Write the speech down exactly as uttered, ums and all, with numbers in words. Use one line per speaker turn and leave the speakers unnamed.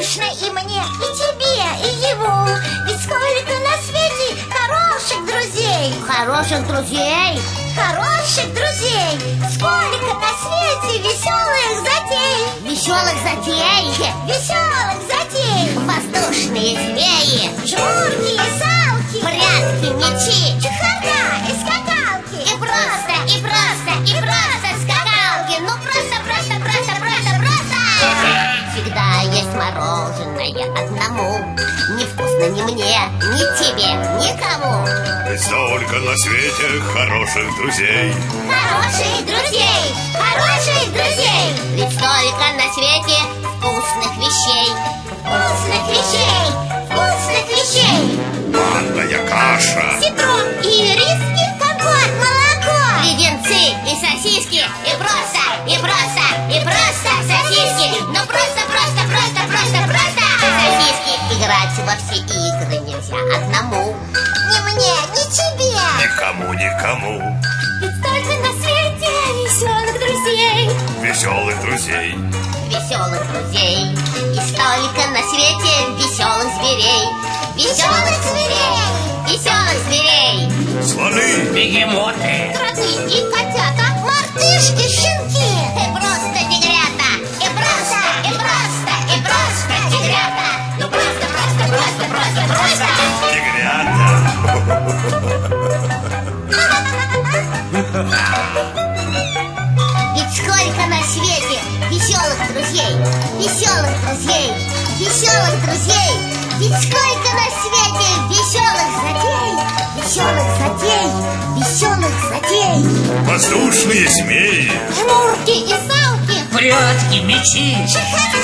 скучно и мне, и тебе, и ему. Ведь сколько на свете хороших друзей.
Хороших друзей?
Хороших друзей. Сколько на свете веселых затей.
Веселых затей?
Веселых затей.
Воздушные змеи,
жмурки и салки,
прятки, мячи,
чехарда и скакалки.
И просто, и просто, и просто скакалки. Ну просто, просто, просто, просто, просто. Всегда есть мороженое одному. Невкусно ни мне, ни тебе, никому.
Ведь столько на свете хороших друзей.
Хороших друзей, хороших друзей.
Ведь столько на свете вкусных вещей.
Вкусных вещей, вкусных вещей.
Манная каша,
ситро и риски, компот, молоко.
Леденцы и сосиски. И просто, и просто, и просто сосиски. Ну просто, просто, просто, просто, просто сосиски. Играть во все игры нельзя одному.
Ни мне, ни тебе.
Никому, никому.
Ведь столько на свете веселых друзей.
Веселых друзей.
Веселых друзей. И столько на свете веселых зверей. Веселых зверей. Веселых зверей.
Слоны,
бегемоты,
Кроты и котята, мартышки, щенки.
И просто тигрята. И просто, и просто, и просто тигрята. Ну просто, просто, просто, просто, просто. Ведь сколько на свете веселых друзей, веселых друзей, веселых друзей. Ведь сколько на свете веселых затей, веселых затей, веселых затей.
воздушные змеи,
Жмурки и салки,
прятки, мячи,
чехарда